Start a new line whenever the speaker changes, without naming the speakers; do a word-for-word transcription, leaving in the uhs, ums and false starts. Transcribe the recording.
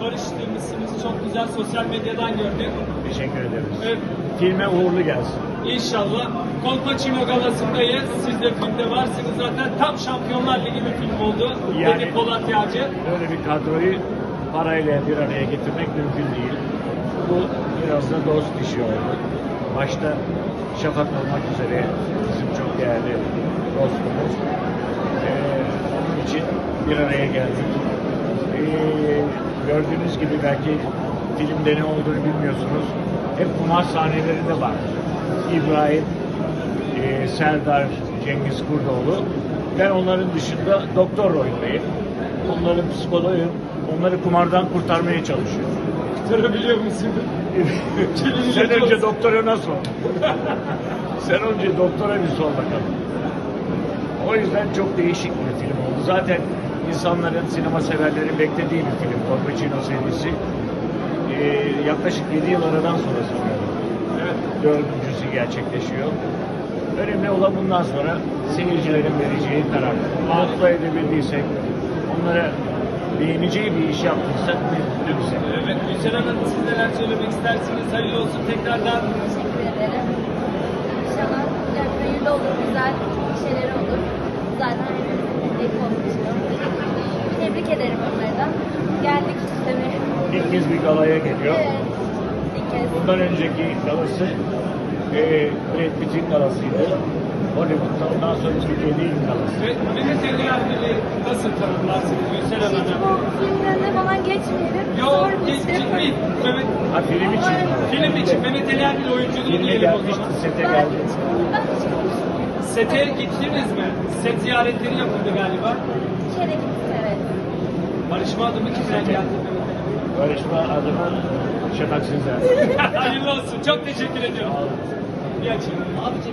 barıştırmışsınız. Çok güzel, sosyal medyadan gördük.
Teşekkür ederiz.
Evet.
Filme uğurlu gelsin.
İnşallah. Kolpaçino galasındayız. Siz de filmde varsınız zaten. Tam Şampiyonlar Ligi bir film oldu.
Yani-
Dedi Polat Yağcı.
Böyle bir kadroyu parayla bir araya getirmek mümkün değil. Bu biraz da dost işi oldu. Başta Şafak olmak üzere bizim çok değerli dostumuz. Ee, onun için bir araya geldik. Ee, gördüğünüz gibi belki filmde ne olduğunu bilmiyorsunuz. Hep kumar sahnelerinde var. İbrahim, e, Serdar, Cengiz Kurdoğlu. Ben onların dışında doktor rolündeyim. Onların psikoloğuyum. Onları kumardan kurtarmaya çalışıyorum.
Kurtarabiliyor musun?
Sen önce doktora sor. Sen önce doktora bir sor bakalım. O yüzden çok değişik bir film oldu. Zaten insanların, sinema severlerin beklediği bir film. Kolpaçino serisi. Ee, yaklaşık yedi yıl aradan sonra sanıyorum.
Evet.
Dördüncüsü gerçekleşiyor. Önemli olan bundan sonra seyircilerin vereceği karar. Mutlu edebildiysek, onlara beğeneceği bir iş yaptıysak ne güzel.
Evet, Gülşen Hanım, siz neler söylemek istersiniz? Hayırlı olsun tekrardan.
Teşekkür ederim. İnşallah yani hayırlı olur, güzel şeyler olur. Zaten hepimizin ilk olmuştu. Tebrik ederim onları da. Geldik istemeye.
İlk kez bir galaya geliyor.
Evet, ilk kez.
Bundan önceki galası e, Brad Pitt'in galasıydı. Hollywood'da. Ondan sonra Türkiye'de ilk galası.
Ve Mehmet Ali Erbil'i nasıl tanımlarsınız Gülşen
Hiç
Hanım?
bu filmlerine falan geçmeyelim.
Yok,
Zor bir
geç,
şey.
gitmeyin. Mehmet,
Ha film için.
film için Mehmet Ali Erbil oyunculuğu
Filme
diyelim o
gelmişti,
zaman.
sete
Ben
geldi.
hiç, ben hiç konuşmuyorum.
Sete gittiniz mi? Set ziyaretleri yapıldı galiba.
Bir kere gittik, evet.
Barışma adımı kimden geldi?
Barışma adına Şafak Sezer.
Hayırlı olsun. Çok teşekkür ediyorum. İyi akşamlar.